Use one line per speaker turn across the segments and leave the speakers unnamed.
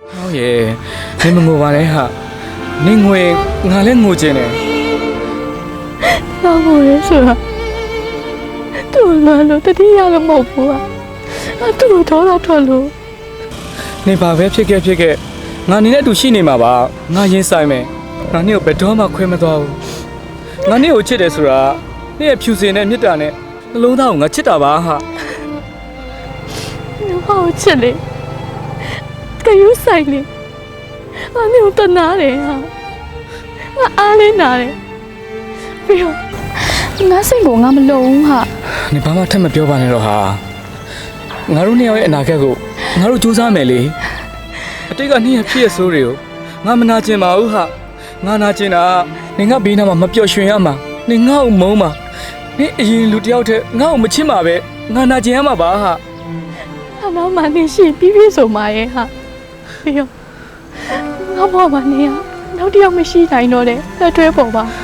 ဟုတ်ရဲ့နင်မငိုပါနဲ့ဟာနင်ငွေငါလည်းငိုချင်တယ်
ငါမို့ရဲဆိုတာသူ့လွမ်းလို့တတိယလည်းမဟုတ်ဘူးอ่ะငါသူ့ကိုတော့ထွက်လို့
နင်ဘာပဲဖြစ်ခဲ့ငါနင်နဲ့အတူရှိနေမှာပါငါရင်ဆိုင်မယ်ငါနင့်ကိုဘယ်တော့မှခွဲမသွားဘူးငါနင့်ကိုချစ်တယ်ဆိုတာနင့်ရဲ့ဖြူစင်တဲ့မြတ်တာနဲ့နှလုံးသားကိုငါချစ်တာပါဟာ
ငါဘာကိုချစ်လဲကယူဆိုင်လေငါမျိုးတနာတယ်ဟာငါအားလေးနာတယ်ပြီးတော့ငါစိတ်ကိုငါမလုံဘူးဟာ
နင်ဘာမှထပ်မပြောပါနဲ့တော့ဟာငါတို့နှစ်ယောက်ရဲ့အနာဂတ်ကိုငါတို့စူးစမ်းမယ်လေအတိတ်ကနင့်ရဲ့ဖြစ်ရဆိုးတွေကိုငါမနာကျင်ပါဘူးဟာငါနာကျင်တာနင်ကဘေးနားမှာမပျော်ရွှင်ရမှာနင်ငါ့ကိုမုန်းမှာနင်အရင်လူတယောက်တည်းငါ့ကိုမချစ်မှာပဲငါနာကျင်ရမှာပါဟာ
အနောက်မှာနေရှိပြည့်စုံပါရဲ့ဟာပြီးတော့ငါဘောမှာနေရနောက်တစ်ယောက်မရှိနိုင်တော့တဲ့လက်တွဲပေါ်ပါ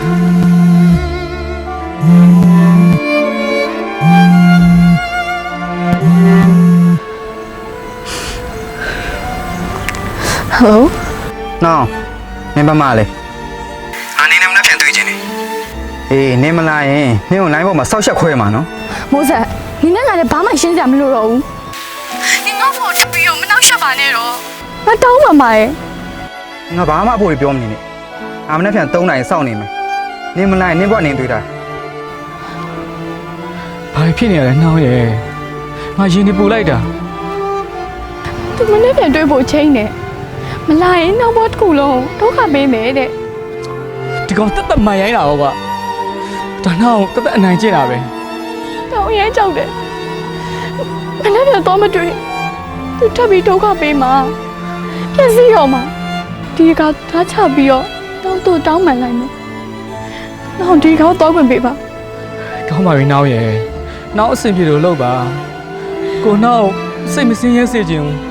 ဟယ်လို
နော်နင်ဘာမှလဲနေနဲ့မနှက်ပြန်တွေ့ချင်းနေအေးနင်မလာရင်နင်ကိုလိုင်းပေါ်မှာစောက်ရှက်ခွဲမှာနော်
မိုးဆက်နင်နဲ့ငါလည်းဘာမှရှင်းစရာမလိုတော့ဘူးနင်ငါ့ဖို့ထပ်ပြီးတော့မနှောက်ရှက်ပါနဲ့တော့ငါတောင်းပါမှာရဲ့
ငါဘာမှအဖို့ပြောမနေနဲ့အာမနှက်ပြန်3နိုင်စောင့်နေမယ်နင်မလာရင်နင်ဘွားနင်တွေ့တာ
ဘာဖြစ်နေရလဲနှောင်းရဲ့ငါရင်နေပူလိုက်တာ
သူမနဲ့ပြန်တွေ့ဖို့ချိန်နေမလာရင်နောက်ဘက်တစ်ခုလုံးဒုက္ခပေးမယ်တဲ့
ဒီကောင်တက်တက်မှန်ရိုင်းတာဟောကဒါနောက်တက်တက်အနိုင်ကျင့်တာပဲ
တောင်းရဲကြောက်တယ်မနဲ့ပြန်တော့မတွေ့သူထပ်ပြီးဒုက္ခပေးမှာပြည့်စည်ရောမှာဒီကထားချပြီးတော့တောင်းမှန်လိုက်မယ်နောက်ဒီကောင်တော့ခွင့်ပေးပါ
ကောင်းပါပြီနှောင်းရဲ့နောက်အဆင်ပြေလို့လုပ်ပါကိုနောက်စိတ်မစင်းရဲစေချင်ဘူး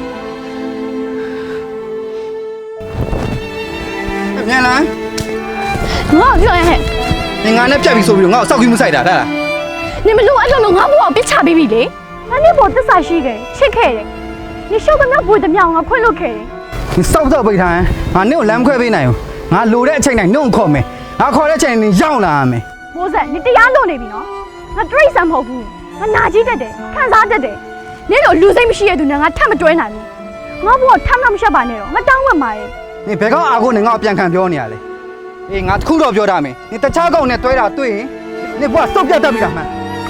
မြန်လား
ငါ့ပြောရဟဲ့
နင်ငါနဲ့ပြတ်ပြီဆိုပြီးတော့ငါ့ကိုစောက်ကြီးမဆိုင်တာဒါလား
နေမလို့အဲ့လိုငါ့ဘောကိုပြစ်ချပေးပြီလေငါနဲ့ဘောသစ္စာရှိတယ်ချစ်ခဲ့တယ်နေရှုပ်သမျှဘွေသမျှငါခွင့်လွတ်ခဲ့တယ်
နင်စောက်တော့ပိတ်ထားရင်ငါနင့်ကိုလမ်းခွဲပေးနိုင်ဘူးငါလိုတဲ့အချိန်တိုင်းနင့်ကိုခေါ်မယ်ငါခေါ်တဲ့အချိန်နင်ရောက်လာရမယ်
မိုးဆက်နေတရားလွတ်နေပြီနော်ငါတရိတ်ဆန်မဟုတ်ဘူးငါနာကြီးတတ်တယ်ခံစားတတ်တယ်နေတော့လူစိတ်မရှိရတဲ့သူနဲ့ငါထပ်မတွဲနိုင်ဘူးငါဘောထပ်မရှက်ပါနဲ့တော့ငါတောင်းမှမှာရဲ့
နင်ဘယ်ကောင်အားကိုနင်ငါ့ကိုပြန်ခံပြောနေရလဲအေးငါတခုတော့ပြောတာမယ်နင်တခြားကောင်နဲ့တွဲတာတွေ့ရင်နင်ဘွားစုပ်ပြတ်တတ်ပြီလားမှန်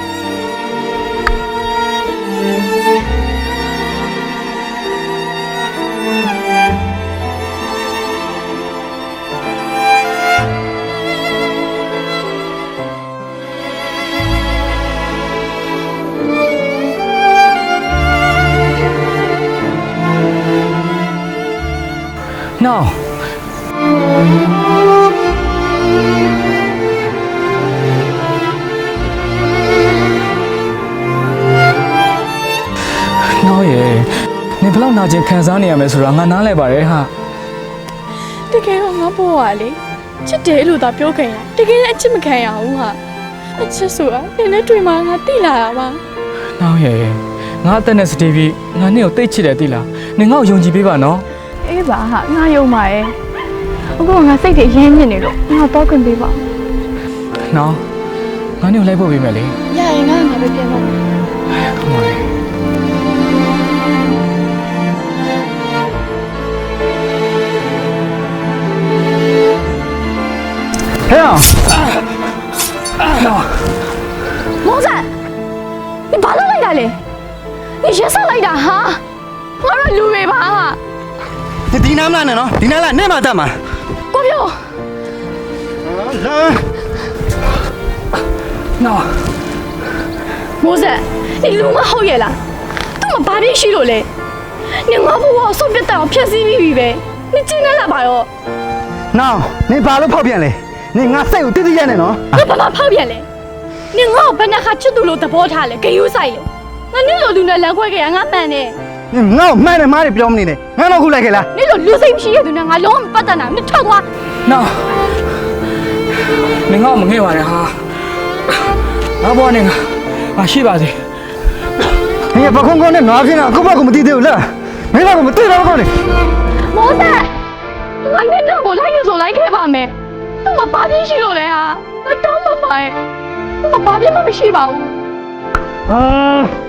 နှောင်းနှောင်းရဲ့နင်ဘယ်လောက်နာကျင်ခံစားနေရမယ်ဆိုတာငါနားလဲပါတယ်ဟာ
တကယ်တော့ငါဘောကလေချစ်တယ်လို့သာပြောခဲ့ရတကယ်လည်းအချစ်မခံရဘူးဟာအချစ်ဆိုတာနင်နဲ့တွေ့မှငါသိလာတာပါ
နှောင်းရဲ့ငါအသက်နဲ့စတေးပြီးငါနင့်ကိုတိတ်ချစ်တယ်သိလားနင်ငါ့ကိုယုံကြည်ပေးပါနော်
အေးပါဟာငါယုံပါရဲ့အခုငါစိတ်တွေရင်းမြစ်နေလို့ငါတော့ခွင့်ပေးပါ
နှောင်းငါနင့်ကိုလိုက်ဖို့ပေးမယ်လေ
ရရင်ငါပဲပြန်တော့
ကောင်းပါလေ
ဟဲ့အောင်
မောင်ဆန်你ဘာလုပ်လိုက်တာလဲ你ရက်ဆက်လိုက်တာဟာငါတို့လူတွေပါဟာ
ဒီနားမလားနဲ့နော်ဒီနားလားနဲ့မှတတ်မှာ
ကိုပြော
လာ
နှောင်း
မောင်ဆန်你လူမဟုတ်ရဲ့လားသူ့မှာဘာဖြစ်ရှိလို့လဲ你ငါ့ဘဝဆုတ်ပြတ်တောင်ဖြတ်စည်းပြီးပြီပဲ你ကျင်းနေလာပါရော
နောင်နင်ဘာလို့ဖောက်ပြန်လဲနင်ငါစိတ်ကိုတိတိကျကျနဲ့နော်
ငါဘာမှဖောက်ပြန်လဲ你ငါ့ကိုဘယ်နှခါချစ်သူလို့သဘောထားလဲဂယုစိုက်လေငါနင့်လိုလူနဲ့လမ်းခွဲခဲ့ရငါမှန်တယ်
နင်ငါ့ကိုမှန်တယ်မားတယ်ပြောမနေနဲ့ငါတော့ခုလိုက်ခဲ့လား
နင့်လိုလူစိတ်မရှိတဲ့သူနဲ့ငါလုံးဝမပတ်သက်နိုင်ဘူးနင့်ထွက်သွား
နှောင်းနင်ငါ့ကိုမငဲ့ပါနဲ့ဟာငါဘောနဲ့ငါရှိပါစေ
နင်ပခုံးကုန်းနဲ့နွားခင်းတာအခုဘက်ကမသိသေးဘူးလားမင်းကမတွေ့တော့ကောင်းနေ
မောဆက်သူကငါတော့ကိုလိုက်ရဆိုလိုက်ခဲ့ပါမယ်သူကဘာဖြစ်ရှိလို့လဲဟာငါတောင်းပါပါရဲ့သူကဘာဖြစ်မှမရှိပါဘူး
ဟာ